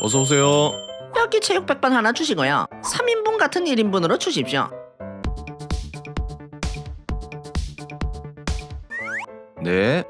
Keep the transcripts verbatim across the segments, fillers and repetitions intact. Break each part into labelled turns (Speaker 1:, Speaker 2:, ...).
Speaker 1: 어서오세요.
Speaker 2: 여기 체육백반 하나 주시고요. 삼 인분 같은 일 인분으로 주십시오.
Speaker 1: 네.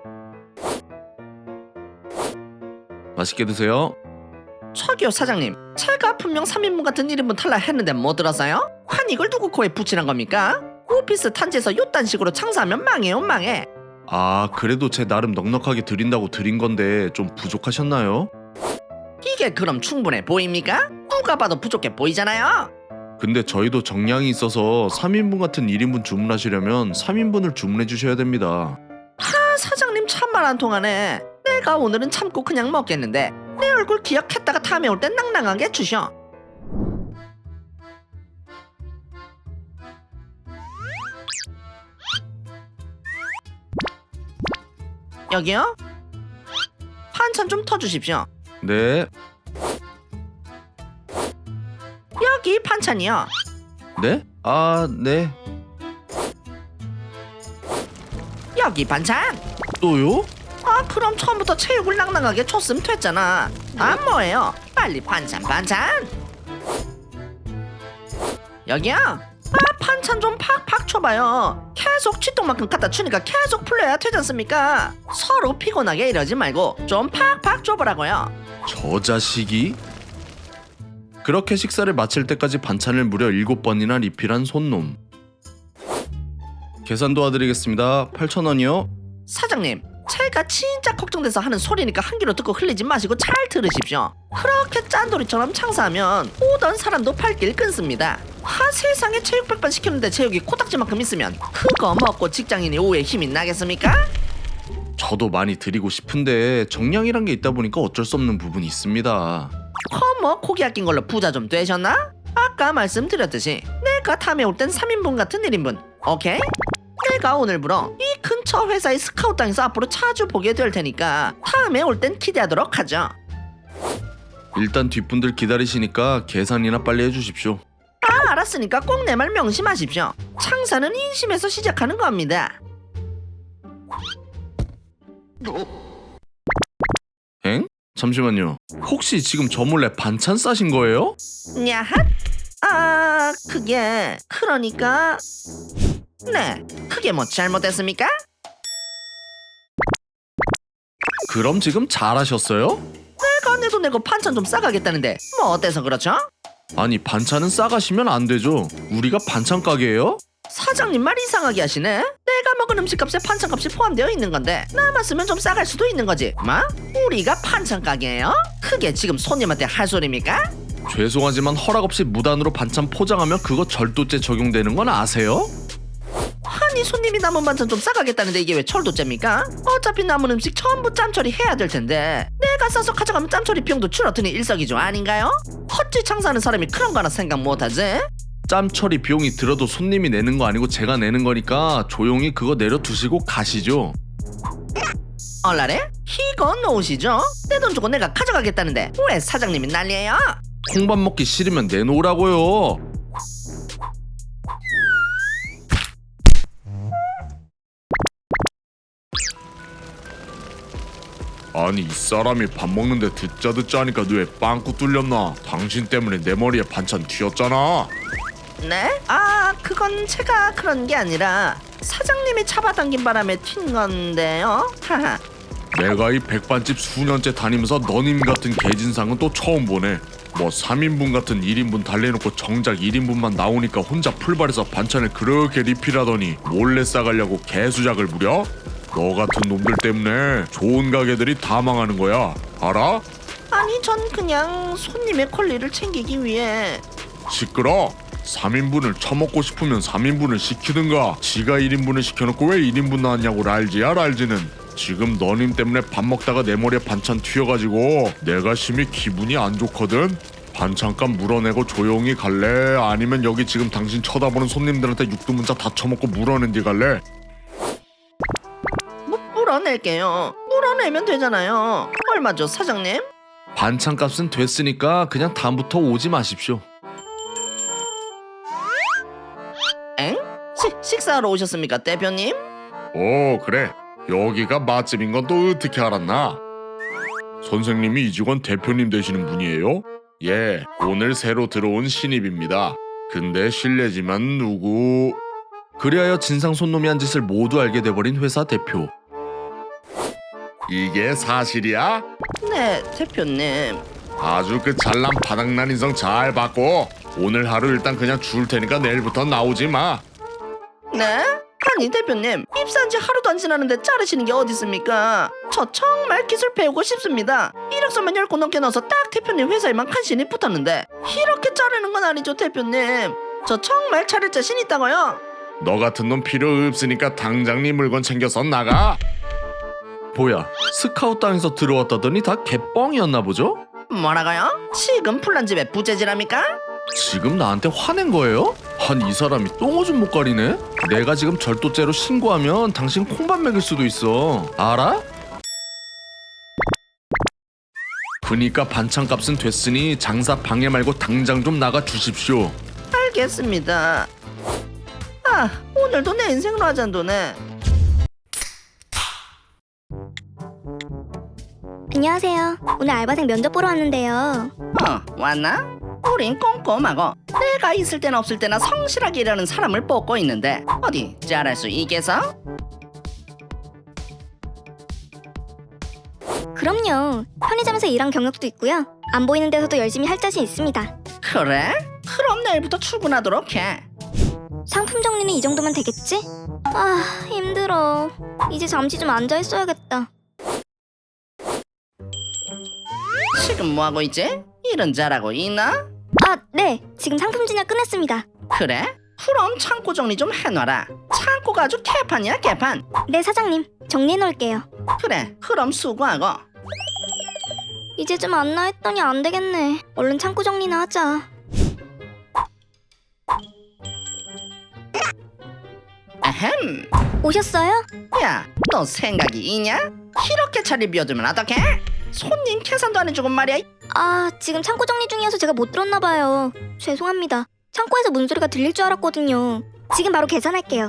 Speaker 1: 맛있게 드세요.
Speaker 2: 저기요 사장님, 제가 분명 삼 인분 같은 일 인분 탈락했는데 못 들었어요? 한 이걸 누구 코에 붙이란 겁니까? 오피스 탄지에서 요딴 식으로 장사하면 망해요 망해.
Speaker 1: 아, 그래도 제 나름 넉넉하게 드린다고 드린 건데 좀 부족하셨나요?
Speaker 2: 이게 그럼 충분해 보입니까? 누가 봐도 부족해 보이잖아요.
Speaker 1: 근데 저희도 정량이 있어서 삼 인분 같은 일 인분 주문하시려면 삼 인분을 주문해 주셔야 됩니다.
Speaker 2: 아 사장님 참말 안 통하네. 내가 오늘은 참고 그냥 먹겠는데 내 얼굴 기억했다가 다음에 올 땐 낭낭하게 주셔. 여기요? 반찬 좀 터주십시오.
Speaker 1: 네.
Speaker 2: 여기 반찬이요.
Speaker 1: 네? 아, 네.
Speaker 2: 여기 반찬.
Speaker 1: 또요?
Speaker 2: 아 그럼 처음부터 체육을 낭낭하게 줬으면 됐잖아. 아 뭐예요? 빨리 반찬 반찬. 여기요? 아 반찬 좀 팍팍 쳐봐요. 계속 쥐똥만큼 갖다 주니까 계속 풀려야 되지 않습니까? 서로 피곤하게 이러지 말고 좀 팍팍 줘보라고요.
Speaker 1: 저 자식이? 그렇게 식사를 마칠 때까지 반찬을 무려 일곱 번이나 리필한 손놈. 계산 도와드리겠습니다. 팔천 원이요.
Speaker 2: 사장님, 제가 진짜 걱정돼서 하는 소리니까 한 귀로 듣고 흘리지 마시고 잘 들으십시오. 그렇게 짠돌이처럼 장사하면 오던 사람도 발길 끊습니다. 하 세상에 체육백반 시켰는데 체육이 코딱지만큼 있으면 그거 먹고 직장인이 오후에 힘이 나겠습니까?
Speaker 1: 저도 많이 드리고 싶은데 정량이란 게 있다 보니까 어쩔 수 없는 부분이 있습니다.
Speaker 2: 허뭐 고기 아낀 걸로 부자 좀 되셨나? 아까 말씀드렸듯이 내가 다음에 올 땐 삼 인분 같은 일 인분 오케이? 내가 오늘부로 이 근처 회사의 스카우트당에서 앞으로 자주 보게 될 테니까 다음에 올 땐 기대하도록 하죠.
Speaker 1: 일단 뒷분들 기다리시니까 계산이나 빨리 해주십시오.
Speaker 2: 아 알았으니까 꼭 내 말 명심하십시오. 장사는 인심에서 시작하는 겁니다.
Speaker 1: 엥? 잠시만요. 혹시 지금 저 몰래 반찬 싸신 거예요?
Speaker 2: 야핫? 아 그게 그러니까 네 그게 뭐 잘못됐습니까?
Speaker 1: 그럼 지금 잘하셨어요?
Speaker 2: 내가 내 돈 내고 반찬 좀 싸가겠다는데 뭐 어때서 그렇죠?
Speaker 1: 아니 반찬은 싸가시면 안 되죠. 우리가 반찬 가게예요?
Speaker 2: 사장님 말 이상하게 하시네. 내가 먹은 음식값에 반찬값이 포함되어 있는 건데 남았으면 좀 싸갈 수도 있는 거지. 뭐? 우리가 반찬 가게예요? 그게 지금 손님한테 할 소리입니까?
Speaker 1: 죄송하지만 허락 없이 무단으로 반찬 포장하면 그거 절도죄 적용되는 건 아세요?
Speaker 2: 아니 손님이 남은 반찬 좀 싸가겠다는데 이게 왜 철도죄입니까? 어차피 남은 음식 전부 짬처리 해야 될 텐데 내가 싸서 가져가면 짬처리 비용도 줄어드니 일석이조 아닌가요? 헛짓 장사하는 사람이 그런 거 하나 생각 못하지?
Speaker 1: 짬 처리 비용이 들어도 손님이 내는 거 아니고 제가 내는 거니까 조용히 그거 내려두시고 가시죠.
Speaker 2: 얼라래? 이건 놓으시죠? 내 돈 주고 내가 가져가겠다는데 왜 사장님이 난리예요?
Speaker 1: 콩밥 먹기 싫으면 내놓으라고요. 아니 이 사람이 밥 먹는데 듣자 듣자 하니까 뇌에 빵꾸 뚫렸나? 당신 때문에 내 머리에 반찬 튀었잖아.
Speaker 2: 네? 아 그건 제가 그런 게 아니라 사장님이 잡아당긴 바람에 튄 건데요. 하하.
Speaker 1: 내가 이 백반집 수년째 다니면서 너님 같은 개진상은 또 처음 보네. 뭐 삼 인분 같은 일 인분 달래놓고 정작 일 인분만 나오니까 혼자 풀발해서 반찬을 그렇게 리필하더니 몰래 싸가려고 개수작을 부려? 너 같은 놈들 때문에 좋은 가게들이 다 망하는 거야. 알아?
Speaker 2: 아니 전 그냥 손님의 권리를 챙기기 위해.
Speaker 1: 시끄러. 삼 인분을 처먹고 싶으면 삼 인분을 시키든가. 지가 일 인분을 시켜놓고 왜 일 인분 나왔냐고 랄지야 랄지는. 지금 너님 때문에 밥 먹다가 내 머리에 반찬 튀어가지고 내가 심히 기분이 안 좋거든. 반찬값 물어내고 조용히 갈래? 아니면 여기 지금 당신 쳐다보는 손님들한테 육두문자 다 처먹고 물어낸 뒤 갈래?
Speaker 2: 뭐, 물어낼게요. 물어내면 되잖아요. 얼마죠 사장님?
Speaker 1: 반찬값은 됐으니까 그냥 다음부터 오지 마십시오.
Speaker 2: 엥? 시, 식사하러 오셨습니까 대표님?
Speaker 1: 오 그래. 여기가 맛집인 건 또 어떻게 알았나? 선생님이 이 직원 대표님 되시는 분이에요? 예, 오늘 새로 들어온 신입입니다. 근데 실례지만 누구... 그리하여 진상 손놈이 한 짓을 모두 알게 돼버린 회사 대표. 이게 사실이야?
Speaker 2: 네, 대표님.
Speaker 1: 아주 그 잘난 바닥난 인성 잘 받고 오늘 하루 일단 그냥 줄 테니까 내일부터 나오지 마.
Speaker 2: 네? 아니 대표님, 입사한 지 하루도 안 지났는데 자르시는 게 어디 있습니까? 저 정말 기술 배우고 싶습니다. 이력서만 열 권 넘게 넣어서 딱 대표님 회사에만 간신히 붙었는데 이렇게 자르는 건 아니죠 대표님. 저 정말 잘할 자신 있다고요.
Speaker 1: 너 같은 놈 필요 없으니까 당장 네 물건 챙겨서 나가. 뭐야, 스카우트 당에서 들어왔다더니 다 개뻥이었나 보죠?
Speaker 2: 뭐라고요? 지금 플란집에 부재질합니까?
Speaker 1: 지금 나한테 화낸 거예요? 한 이 사람이 똥오줌 못 가리네? 내가 지금 절도죄로 신고하면 당신 콩밥 먹일 수도 있어. 알아? 그니까 반찬값은 됐으니 장사 방해 말고 당장 좀 나가 주십시오.
Speaker 2: 알겠습니다. 아, 오늘도 내 인생 라잔도네.
Speaker 3: 안녕하세요. 오늘 알바생 면접 보러 왔는데요.
Speaker 2: 어, 왔나? 우린 꼼꼼하고 내가 있을 때나 없을 때나 성실하게 일하는 사람을 뽑고 있는데 어디 잘할 수 있겠어?
Speaker 3: 그럼요. 편의점에서 일한 경력도 있고요. 안 보이는 데서도 열심히 할 자신 있습니다.
Speaker 2: 그래? 그럼 내일부터 출근하도록 해.
Speaker 3: 상품 정리는 이 정도면 되겠지? 아, 힘들어. 이제 잠시 좀 앉아 있어야겠다.
Speaker 2: 지금 뭐하고 있지? 일은 잘하고 있나?
Speaker 3: 아, 네. 지금 상품 진열 끝냈습니다.
Speaker 2: 그래? 그럼 창고 정리 좀 해놔라. 창고가 아주 개판이야 개판.
Speaker 3: 네, 사장님. 정리해 놓을게요.
Speaker 2: 그래, 그럼 수고하고.
Speaker 3: 이제 좀 안나 했더니 안 되겠네. 얼른 창고 정리나 하자.
Speaker 2: 아흠.
Speaker 3: 오셨어요?
Speaker 2: 야, 너 생각이 있냐? 이렇게 자리 비워두면 어떡해? 손님 계산도 안 해주고 말이야.
Speaker 3: 아, 지금 창고 정리 중이어서 제가 못 들었나 봐요. 죄송합니다. 창고에서 문소리가 들릴 줄 알았거든요. 지금 바로 계산할게요.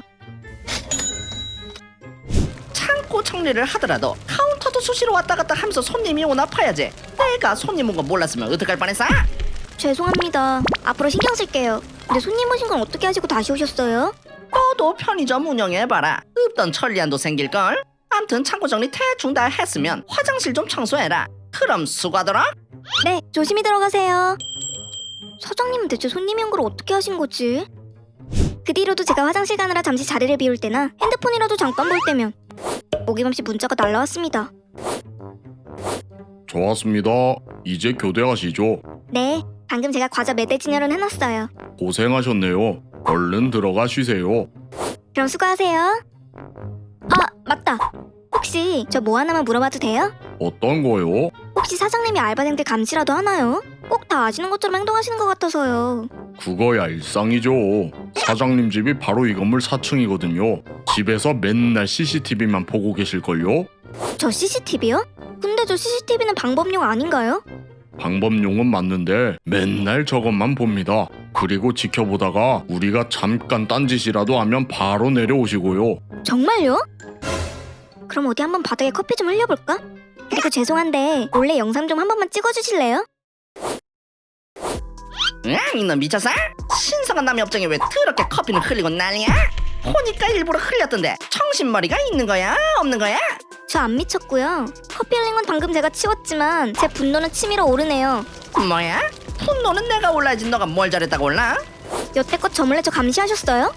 Speaker 2: 창고 정리를 하더라도 카운터도 수시로 왔다 갔다 하면서 손님이 오나 봐야지. 내가 손님 온 거 몰랐으면 어떡할 뻔했어?
Speaker 3: 죄송합니다. 앞으로 신경 쓸게요. 근데 손님 오신 건 어떻게 하시고 다시 오셨어요?
Speaker 2: 너도 편의점 운영해봐라. 없던 천리안도 생길걸. 암튼 창고 정리 대충 다 했으면 화장실 좀 청소해라. 그럼 수고하더라.
Speaker 3: 네, 조심히 들어가세요. 사장님은 대체 손님이 온 걸 어떻게 하신 거지? 그 뒤로도 제가 화장실 가느라 잠시 자리를 비울 때나 핸드폰이라도 잠깐 볼 때면 어김없이 문자가 날라왔습니다.
Speaker 1: 좋았습니다. 이제 교대하시죠.
Speaker 3: 네, 방금 제가 과자 매대 진열은 해놨어요.
Speaker 1: 고생하셨네요. 얼른 들어가 쉬세요.
Speaker 3: 그럼 수고하세요. 아, 맞다. 혹시 저 뭐 하나만 물어봐도 돼요?
Speaker 1: 어떤 거요?
Speaker 3: 혹시 사장님이 알바생들 감시라도 하나요? 꼭 다 아시는 것처럼 행동하시는 것 같아서요.
Speaker 1: 그거야 일상이죠. 사장님 집이 바로 이 건물 사 층이거든요. 집에서 맨날 씨씨티비만 보고 계실걸요?
Speaker 3: 저 씨씨티비요? 근데 저 씨씨티비는 방법용 아닌가요?
Speaker 1: 방법용은 맞는데 맨날 저것만 봅니다. 그리고 지켜보다가 우리가 잠깐 딴짓이라도 하면 바로 내려오시고요.
Speaker 3: 정말요? 그럼 어디 한번 바닥에 커피 좀 흘려볼까? 그리고 죄송한데 몰래 영상 좀 한 번만 찍어주실래요?
Speaker 2: 응, 이놈 미쳤어? 신성한 남의 업장에 왜 더럽게 커피는 흘리고 난리야? 보니까 일부러 흘렸던데 정신머리가 있는 거야? 없는 거야?
Speaker 3: 저 안 미쳤고요. 커피 흘린 건 방금 제가 치웠지만 제 분노는 치밀어 오르네요.
Speaker 2: 뭐야? 분노는 내가 올라야지 너가 뭘 잘했다고 올라?
Speaker 3: 여태껏 저 몰래 저 감시하셨어요?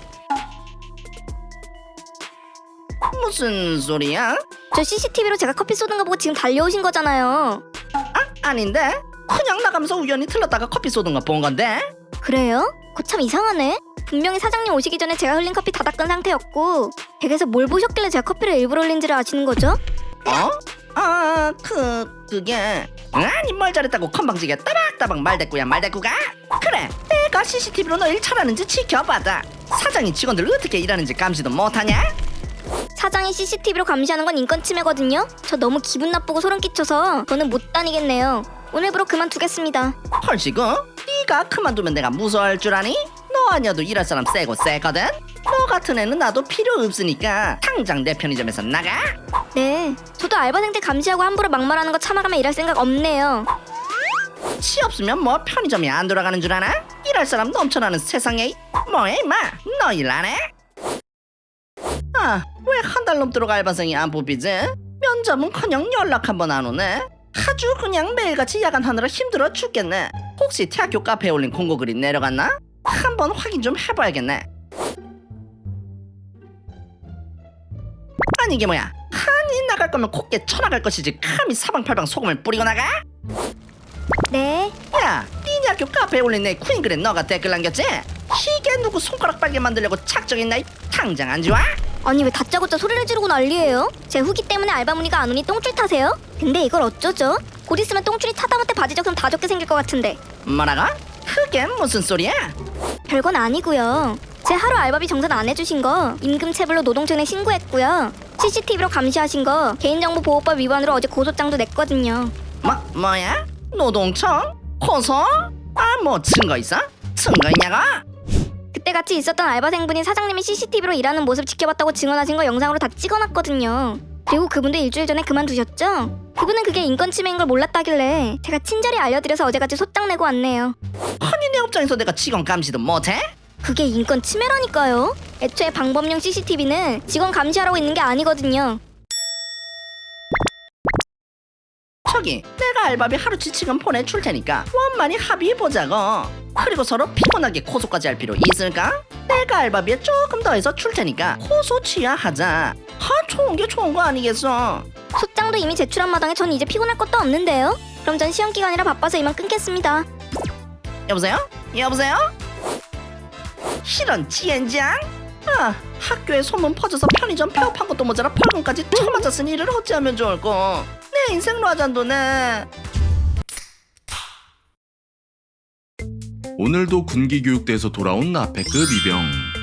Speaker 2: 무슨 소리야?
Speaker 3: 저 씨씨티비로 제가 커피 쏟은 거 보고 지금 달려오신 거잖아요.
Speaker 2: 아, 아닌데? 그냥 나가면서 우연히 틀렸다가 커피 쏟은 거 본 건데?
Speaker 3: 그래요? 그거 참 이상하네. 분명히 사장님 오시기 전에 제가 흘린 커피 다 닦은 상태였고 댁에서 뭘 보셨길래 제가 커피를 일부러 흘린지를 아시는 거죠?
Speaker 2: 어? 아, 그... 그게... 아니 뭘 잘했다고 건방지게 따박따박 말대꾸야 말대꾸가? 그래, 내가 씨씨티비로 너 일 잘하는지 지켜봐다. 사장이 직원들 어떻게 일하는지 감시도 못하냐?
Speaker 3: 사장이 씨씨티비로 감시하는 건 인권 침해거든요. 저 너무 기분 나쁘고 소름 끼쳐서 저는 못 다니겠네요. 오늘부로 그만두겠습니다.
Speaker 2: 헐시고? 네가 그만두면 내가 무서워할 줄 아니? 너 너 아니어도 일할 사람 세고 세거든. 너 같은 애는 나도 필요 없으니까 당장 내 편의점에서 나가.
Speaker 3: 네, 저도 알바생 때 감시하고 함부로 막말하는 거 참아가며 일할 생각 없네요.
Speaker 2: 치 없으면 뭐 편의점이 안 돌아가는 줄 아나? 일할 사람 넘쳐나는 세상에 뭐해 임마, 너 일 안 해? 아, 왜 한 달 넘도록 알바생이 안 뽑히지? 면접은커녕 연락 한 번 안 오네. 아주 그냥 매일같이 야간하느라 힘들어 죽겠네. 혹시 대학교 카페에 올린 공고글이 내려갔나? 한번 확인 좀 해봐야겠네. 아니 이게 뭐야? 아니 나갈 거면 곱게 쳐나갈 것이지 감히 사방팔방 소금을 뿌리고 나가?
Speaker 3: 네,
Speaker 2: 야, 니네 학교 카페에 올린 내 퀸글에 너가 댓글 남겼지? 이게 누구 손가락 빨게 만들려고 작정했나? 당장 안 좋아?
Speaker 3: 아니 왜 다짜고짜 소리를 지르고 난리예요? 제 후기 때문에 알바 문의가 안 오니 똥줄 타세요? 근데 이걸 어쩌죠? 곧 있으면 똥줄이 타다못해 바지 적으면 다 적게 생길 것 같은데.
Speaker 2: 뭐라고? 그게 무슨 소리야?
Speaker 3: 별건 아니고요. 제 하루 알바비 정산 안 해주신 거 임금체불로 노동청에 신고했고요. 씨씨티비로 감시하신 거 개인정보보호법 위반으로 어제 고소장도 냈거든요.
Speaker 2: 뭐, 뭐야? 노동청? 고소? 아, 뭐 증거 있어? 증거 있냐고?
Speaker 3: 그때 같이 있었던 알바생분이 사장님이 씨씨티비로 일하는 모습 지켜봤다고 증언하신 거 영상으로 다 찍어놨거든요. 그리고 그분도 일주일 전에 그만두셨죠? 그분은 그게 인권 침해인 걸 몰랐다길래 제가 친절히 알려드려서 어제같이 소장 내고 왔네요.
Speaker 2: 아니 내 업장에서 내가 직원 감시도 못해?
Speaker 3: 그게 인권 침해라니까요. 애초에 방범용 씨씨티비는 직원 감시하라고 있는 게 아니거든요.
Speaker 2: 저기 내가 알바비 하루치 지금 보내줄 테니까 원만히 합의해보자고. 그리고 서로 피곤하게 고소까지 할 필요 있을까? 내가 알바비에 조금 더해서 줄 테니까 고소 취하하자. 아, 좋은 게 좋은 거 아니겠어?
Speaker 3: 소장도 이미 제출한 마당에 전 이제 피곤할 것도 없는데요. 그럼 전 시험 기간이라 바빠서 이만 끊겠습니다.
Speaker 2: 여보세요? 여보세요? 이런 지엔장? 아, 학교에 소문 퍼져서 편의점 폐업한 것도 모자라 벌금까지 쳐맞았으니 이를 어찌하면 좋을꼬. 내 인생 라잔도네.
Speaker 1: 오늘도 군기교육대에서 돌아온 나패급 이병.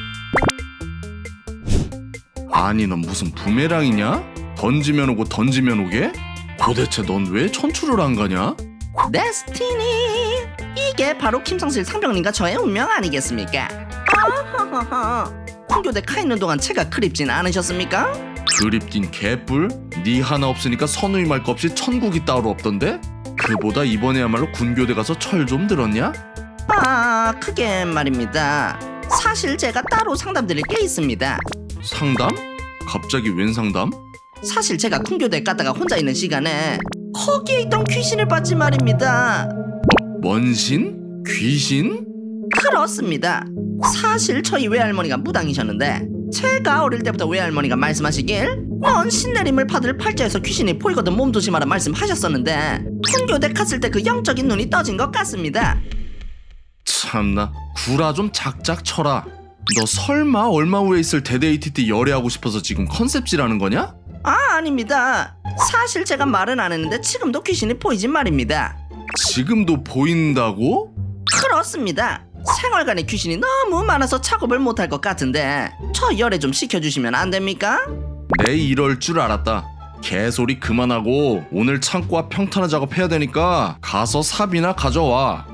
Speaker 1: 아니 넌 무슨 부메랑이냐? 던지면 오고 던지면 오게? 도대체 넌 왜 천출을 안 가냐?
Speaker 2: 데스티니, 이게 바로 김성실 상병님과 저의 운명 아니겠습니까? 아하하하. 군교대 가 있는 동안 제가 그립진 않으셨습니까?
Speaker 1: 그립긴 개뿔? 니 하나 없으니까 선우이 말 거 없이 천국이 따로 없던데? 그보다 이번에야말로 군교대 가서 철 좀 들었냐?
Speaker 2: 아, 그게 말입니다. 사실 제가 따로 상담드릴 게 있습니다.
Speaker 1: 상담? 갑자기 웬 상담?
Speaker 2: 사실 제가 군교대 갔다가 혼자 있는 시간에 거기에 있던 귀신을 봤지 말입니다.
Speaker 1: 먼신? 귀신?
Speaker 2: 그렇습니다. 사실 저희 외할머니가 무당이셨는데 제가 어릴 때부터 외할머니가 말씀하시길 넌 신내림을 받을 팔자에서 귀신이 보이거든 몸 조심하라 말씀하셨었는데 군교대 갔을 때 그 영적인 눈이 떠진 것 같습니다.
Speaker 1: 참나 구라 좀 작작 쳐라. 너 설마 얼마 후에 있을 데데이티 때 열애하고 싶어서 지금 컨셉질하는 거냐?
Speaker 2: 아, 아닙니다. 사실 제가 말은 안 했는데 지금도 귀신이 보이진 말입니다.
Speaker 1: 지금도 보인다고?
Speaker 2: 그렇습니다. 생활관에 귀신이 너무 많아서 작업을 못할 것 같은데 저 열애 좀 시켜주시면 안 됩니까?
Speaker 1: 내 이럴 줄 알았다. 개소리 그만하고 오늘 창고 앞 평탄화 작업해야 되니까 가서 삽이나 가져와.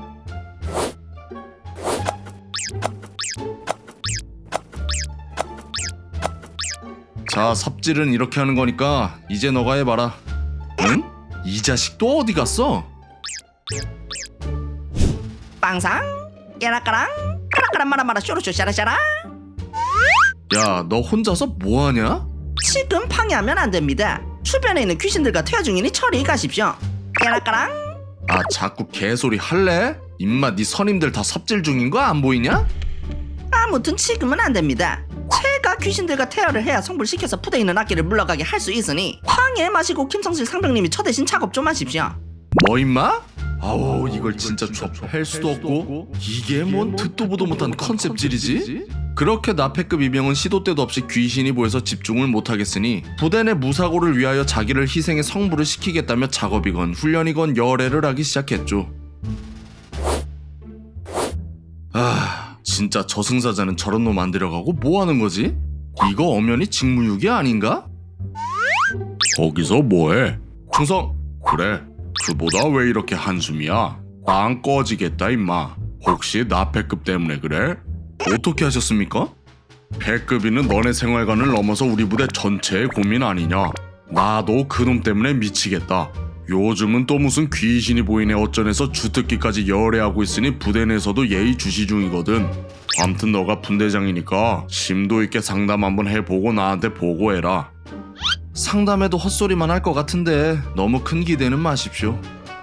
Speaker 1: 자, 삽질은 이렇게 하는 거니까 이제 너가 해봐라. 응? 이 자식 또 어디 갔어?
Speaker 2: 빵상 깨라까랑 까라까란 마라마라 쇼로쇼 샤라샤라.
Speaker 1: 야, 너 혼자서 뭐하냐?
Speaker 2: 지금 방해하면 안 됩니다. 주변에 있는 귀신들과 퇴화 중이니 처리 가십시오. 깨라까랑.
Speaker 1: 아, 자꾸 개소리 할래? 임마, 네 선임들 다 삽질 중인 거 안 보이냐?
Speaker 2: 아무튼 지금은 안 됩니다. 제가 귀신들과 태어를 해야 성불시켜서 푸대 있는 악기를 물러가게 할 수 있으니 방해 마시고 김성실 상병님이 저 대신 작업 좀 하십시오.
Speaker 1: 뭐 임마? 아우, 이걸 진짜 접할 수도 없고 이게 뭔 듣도 보도 못한 컨셉질이지? 그렇게 나패급 이병은 시도 때도 없이 귀신이 보여서 집중을 못하겠으니 부대 내 무사고를 위하여 자기를 희생해 성불을 시키겠다며 작업이건 훈련이건 열애를 하기 시작했죠. 아, 진짜 저승사자는 저런 놈 안 데려가고 뭐 하는 거지? 이거 엄연히 직무유기 아닌가? 거기서 뭐해? 충성! 그래, 그보다 왜 이렇게 한숨이야? 빵 꺼지겠다 임마. 혹시 나패급 때문에 그래? 어떻게 하셨습니까? 배급이는 너네 생활관을 넘어서 우리 부대 전체의 고민 아니냐. 나도 그놈 때문에 미치겠다. 요즘은 또 무슨 귀신이 보이네 어쩌네서 주특기까지 열애하고 있으니 부대 내에서도 예의 주시 중이거든. 암튼 너가 분대장이니까 심도 있게 상담 한번 해보고 나한테 보고해라. 상담해도 헛소리만 할 것 같은데 너무 큰 기대는 마십시오.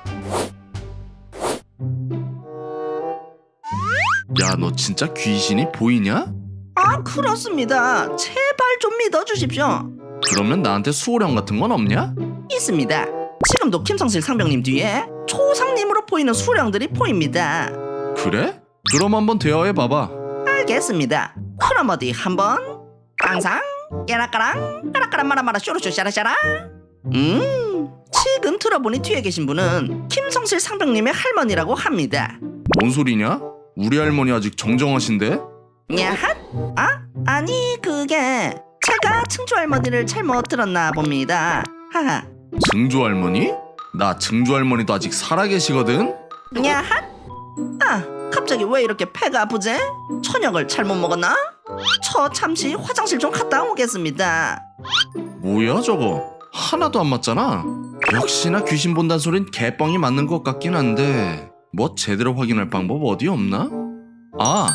Speaker 1: 야, 너 진짜 귀신이 보이냐?
Speaker 2: 아, 그렇습니다. 제발 좀 믿어주십시오.
Speaker 1: 그러면 나한테 수호령 같은 건 없냐?
Speaker 2: 있습니다. 지금도 김성실 상병님 뒤에 초상님으로 보이는 수령들이 보입니다.
Speaker 1: 그래? 그럼 한번 대화해봐봐.
Speaker 2: 알겠습니다. 그럼 어디 한번 깡상 깨라까랑 까라까란 마라마라 쇼로쇼 샤라샤라. 음 지금 들어보니 뒤에 계신 분은 김성실 상병님의 할머니라고 합니다.
Speaker 1: 뭔 소리냐? 우리 할머니 아직 정정하신데?
Speaker 2: 야핫? 아? 아니 그게 제가 증조 할머니를 잘못 들었나 봅니다. 하하.
Speaker 1: 증조 할머니? 나 증조 할머니도 아직 살아계시거든?
Speaker 2: 야핫? 아 갑자기 왜 이렇게 배가 아프지? 저녁을 잘못 먹었나? 저 잠시 화장실 좀 갔다 오겠습니다.
Speaker 1: 뭐야 저거? 하나도 안 맞잖아. 역시나 귀신 본단 소린 개뻥이 맞는 것 같긴 한데 뭐 제대로 확인할 방법 어디 없나? 아!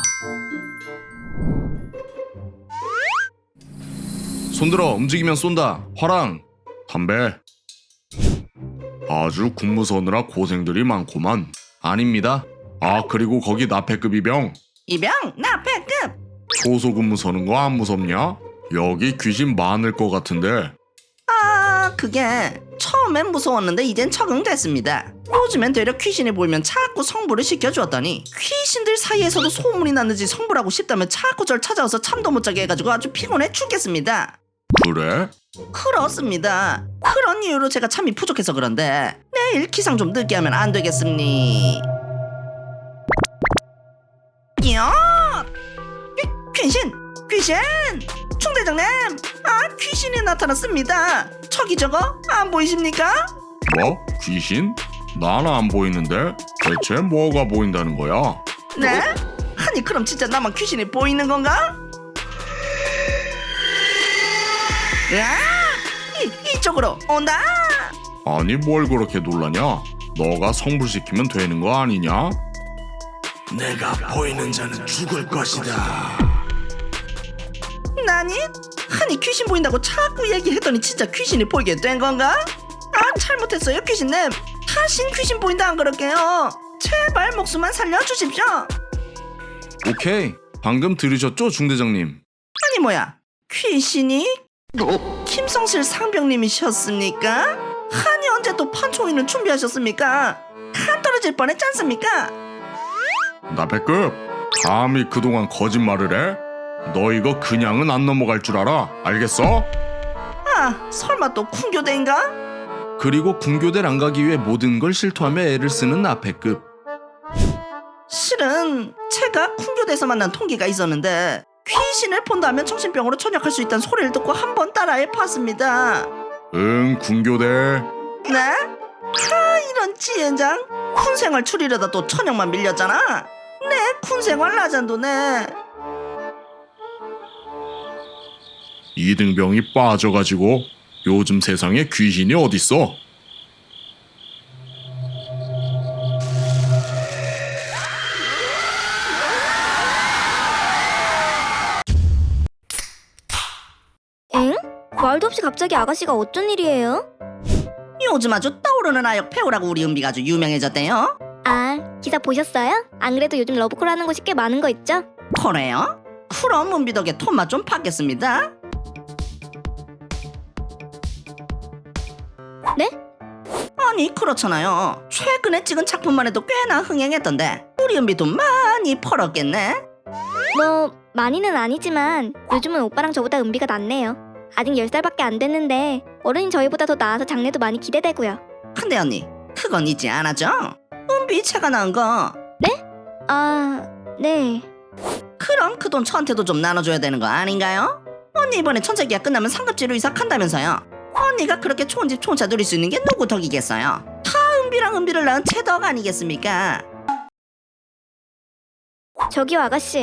Speaker 1: 손들어 움직이면 쏜다. 화랑! 담배. 아주 군무 서느라 고생들이 많구만. 아닙니다. 아 그리고 거기 나패급 이병.
Speaker 2: 이병 나 배급.
Speaker 1: 초소 근무 서는 거 안 무섭냐? 여기 귀신 많을 것 같은데.
Speaker 2: 아 그게 처음엔 무서웠는데 이젠 적응됐습니다. 요즘엔 되려 귀신이 보이면 자꾸 성부를 시켜주었더니 귀신들 사이에서도 소문이 났는지 성부라고 싶다면 자꾸 절 찾아와서 잠도 못 자게 해가지고 아주 피곤해 죽겠습니다.
Speaker 1: 그래?
Speaker 2: 그렇습니다. 그런 이유로 제가 잠이 부족해서 그런데 내일 기상 좀 늦게 하면 안 되겠습니? 야! 귀, 귀신! 귀신! 총대장님! 아 귀신이 나타났습니다. 저기 저거 안 보이십니까?
Speaker 1: 뭐? 귀신? 난 안 보이는데 대체 뭐가 보인다는 거야?
Speaker 2: 네? 아니 그럼 진짜 나만 귀신이 보이는 건가? 야! 이, 이쪽으로 온다!
Speaker 1: 아니 뭘 그렇게 놀라냐? 너가 성불시키면 되는 거 아니냐?
Speaker 4: 내가 보이는 자는 죽을 것이다.
Speaker 2: 나니? 아니 귀신 보인다고 자꾸 얘기했더니 진짜 귀신이 보이게 된 건가? 아 잘못했어요 귀신님. 다신 귀신 보인다 안 그럴게요. 제발 목숨만 살려주십시오.
Speaker 1: 오케이. 방금 들으셨죠 중대장님?
Speaker 2: 아니 뭐야 귀신이? 김성실 상병님이셨습니까? 아니 언제 또 판총이는 준비하셨습니까? 간 떨어질 뻔했지 않습니까?
Speaker 1: 나패급 감히 그동안 거짓말을 해? 너 이거 그냥은 안 넘어갈 줄 알아? 알겠어?
Speaker 2: 아 설마 또 군교대인가?
Speaker 1: 그리고 군교대를 안 가기 위해 모든 걸 실토하며 애를 쓰는 나패급.
Speaker 2: 실은 제가 군교대에서 만난 통기가 있었는데 귀신을 본다면 정신병으로 전역할 수 있다는 소리를 듣고 한번 따라해 봤습니다.
Speaker 1: 응 군교대.
Speaker 2: 네? 아 이런 지엔장 군생활 추리려다 또 천역만 밀렸잖아. 네 군생활 라잔도네.
Speaker 1: 이등병이 빠져가지고 요즘 세상에 귀신이 어딨어?
Speaker 3: 엥? 말도 없이 갑자기 아가씨가 어쩐 일이에요?
Speaker 2: 요즘 아주 떠오르는 아역 배우라고 우리 은비가 아주 유명해졌대요.
Speaker 3: 아, 기사 보셨어요? 안 그래도 요즘 러브콜 하는 곳이 꽤 많은 거 있죠?
Speaker 2: 그래요? 그럼 은비 덕에 톤맛 좀 받겠습니다.
Speaker 3: 네?
Speaker 2: 아니 그렇잖아요. 최근에 찍은 작품만 해도 꽤나 흥행했던데 우리 은비 돈 많이 벌었겠네.
Speaker 3: 뭐 많이는 아니지만 요즘은 오빠랑 저보다 은비가 낫네요. 아직 열 살밖에 안 됐는데 어른이 저희보다 더 나아서 장래도 많이 기대되고요.
Speaker 2: 근데 언니 그건 잊지 않았죠? 은비 채가 나은 거.
Speaker 3: 아, 네.
Speaker 2: 그럼 그 돈 저한테도 좀 나눠줘야 되는 거 아닌가요? 언니 이번에 천재기약 끝나면 상급지로 이사한다면서요. 언니가 그렇게 좋은 집 좋은 차 누릴 수 있는 게 누구 덕이겠어요? 다 은비랑 은비를 낳은 제 덕 아니겠습니까?
Speaker 3: 저기요 아가씨,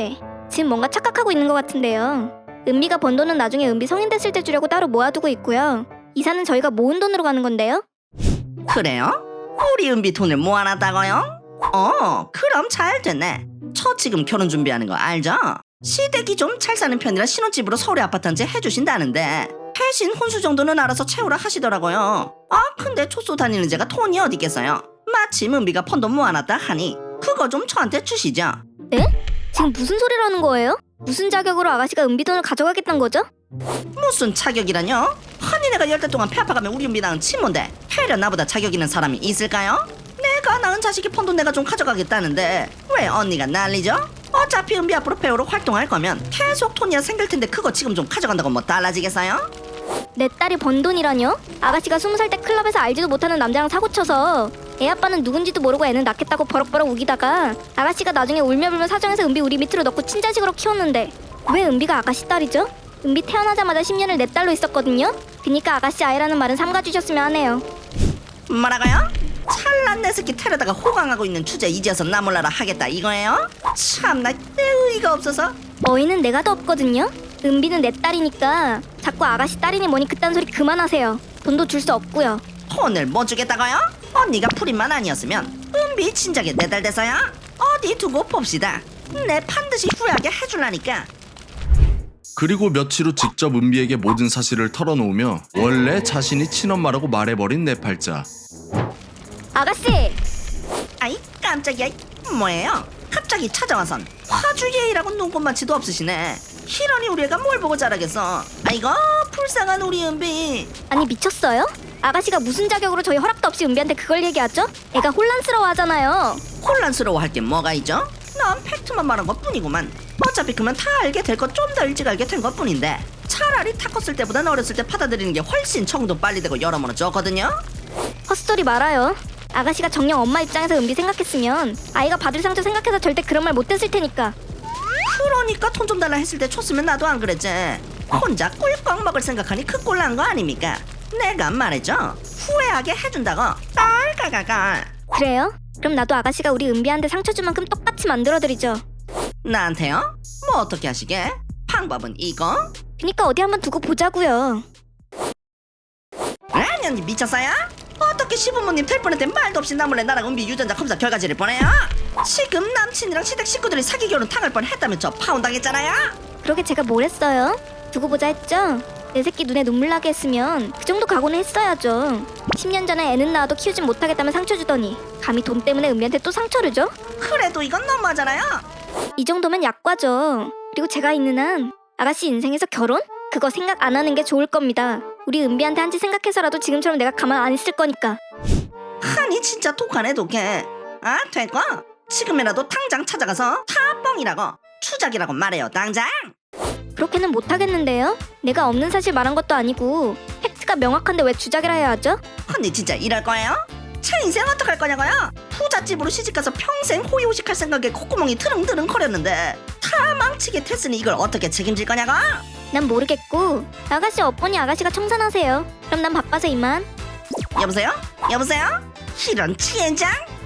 Speaker 3: 지금 뭔가 착각하고 있는 것 같은데요. 은비가 번 돈은 나중에 은비 성인 됐을 때 주려고 따로 모아두고 있고요. 이사는 저희가 모은 돈으로 가는 건데요.
Speaker 2: 그래요? 우리 은비 돈을 모아놨다고요? 어, 그럼 잘 됐네. 저 지금 결혼 준비하는 거 알죠? 시댁이 좀 잘 사는 편이라 신혼집으로 서울에 아파트 한 채 해주신다는데 대신 혼수 정도는 알아서 채우라 하시더라고요. 아, 근데 초소 다니는 제가 돈이 어디 있겠어요? 마침 은비가 펀돈 모아놨다 하니 그거 좀 저한테 주시죠.
Speaker 3: 네? 지금 무슨 소리를 하는 거예요? 무슨 자격으로 아가씨가 은비 돈을 가져가겠다는 거죠?
Speaker 2: 무슨 자격이라뇨? 아니 내가 열 달 동안 폐 아파가며 우리 은비 낳은 친모인데 해려 나보다 자격 있는 사람이 있을까요? 내가 낳은 자식이 펀돈 내가 좀 가져가겠다는데 왜 언니가 난리죠? 어차피 은비 앞으로 배우로 활동할 거면 계속 돈이야 생길 텐데 그거 지금 좀 가져간다고 뭐 달라지겠어요?
Speaker 3: 내 딸이 번 돈이라뇨? 아가씨가 스무 살 때 클럽에서 알지도 못하는 남자랑 사고쳐서 애 아빠는 누군지도 모르고 애는 낳겠다고 버럭버럭 우기다가 아가씨가 나중에 울며불며 사정해서 은비 우리 밑으로 넣고 친자식으로 키웠는데 왜 은비가 아가씨 딸이죠? 은비 태어나자마자 십 년을 내 딸로 있었거든요? 그니까 아가씨 아이라는 말은 삼가주셨으면 하네요.
Speaker 2: 뭐라고요? 찰난 내 새끼 테러다가 호강하고 있는 주제 이제서 나 몰라라 하겠다 이거예요? 참나 내 의의가 없어서.
Speaker 3: 어이는 내가 더 없거든요? 은비는 내 딸이니까 자꾸 아가씨 딸이니 뭐니 그딴 소리 그만하세요. 돈도 줄 수 없고요.
Speaker 2: 돈을 못 주겠다고요? 언니가 풀인만 아니었으면 은비 진작에 내 딸 돼서야? 어디 두고 봅시다. 내 반드시 후회하게 해줄라니까.
Speaker 5: 그리고 며칠 후 직접 은비에게 모든 사실을 털어놓으며 원래 자신이 친엄마라고 말해버린 네팔자.
Speaker 3: 아가씨!
Speaker 2: 아이 깜짝이야. 뭐예요? 갑자기 찾아와선 화주 예의라고 눈꽃만치도 없으시네. 희런이 우리 애가 뭘 보고 자라겠어. 아이고 불쌍한 우리 은비.
Speaker 3: 아니 미쳤어요? 아가씨가 무슨 자격으로 저희 허락도 없이 은비한테 그걸 얘기하죠? 애가 혼란스러워하잖아요.
Speaker 2: 혼란스러워할 게 뭐가 있죠? 난 팩트만 말한 것뿐이구만. 어차피 그만 다 알게 될 거 좀 더 일찍 알게 된 것뿐인데 차라리 타 컸을 때보단 어렸을 때 받아들이는 게 훨씬 정도 빨리 되고 여러모로 좋거든요.
Speaker 3: 헛소리 말아요. 아가씨가 정녕 엄마 입장에서 은비 생각했으면 아이가 받을 상처 생각해서 절대 그런 말 못했을 테니까.
Speaker 2: 그러니까 돈 좀 달라 했을 때 줬으면 나도 안 그랬지. 혼자 꿀꺽 먹을 생각하니 그 꼴 난 거 아닙니까? 내가 말했죠. 후회하게 해준다고. 깔깔깔깔.
Speaker 3: 그래요? 그럼 나도 아가씨가 우리 은비한테 상처 줄 만큼 똑같이 만들어드리죠.
Speaker 2: 나한테요? 뭐 어떻게 하시게? 방법은 이거?
Speaker 3: 그니까 어디 한번 두고 보자고요.
Speaker 2: 아니 언니 미쳤어요? 어떻게 시부모님 될 뻔했대 말도 없이 나 몰래 나랑 은비 유전자 검사 결과지를 보내요? 지금 남친이랑 시댁 식구들이 사기 결혼 당할 뻔했다면 저 파혼당했잖아요?
Speaker 3: 그러게 제가 뭘 했어요? 두고 보자 했죠? 내 새끼 눈에 눈물 나게 했으면 그 정도 각오는 했어야죠. 십 년 전에 애는 낳아도 키우진 못하겠다면 상처 주더니 감히 돈 때문에 은비한테 또 상처를 줘?
Speaker 2: 그래도 이건 너무하잖아요.
Speaker 3: 이 정도면 약과죠. 그리고 제가 있는 한 아가씨 인생에서 결혼? 그거 생각 안 하는 게 좋을 겁니다. 우리 은비한테 한지 생각해서라도 지금처럼 내가 가만 안 있을 거니까.
Speaker 2: 아니 진짜 독하네 독해. 아 됐고 지금이라도 당장 찾아가서 다 뻥이라고 추작이라고 말해요 당장.
Speaker 3: 그렇게는 못하겠는데요? 내가 없는 사실 말한 것도 아니고 팩트가 명확한데 왜 주작이라 해야 하죠?
Speaker 2: 언니 진짜 이럴 거예요? 제 인생 어떡할 거냐고요? 부잣집으로 시집가서 평생 호의호식할 생각에 콧구멍이 트릉트릉 거렸는데 다 망치게 됐으니 이걸 어떻게 책임질 거냐고?
Speaker 3: 난 모르겠고 아가씨 어머니 아가씨가 청산하세요. 그럼 난 바빠서 이만.
Speaker 2: 여보세요? 여보세요? 이런 치엔장?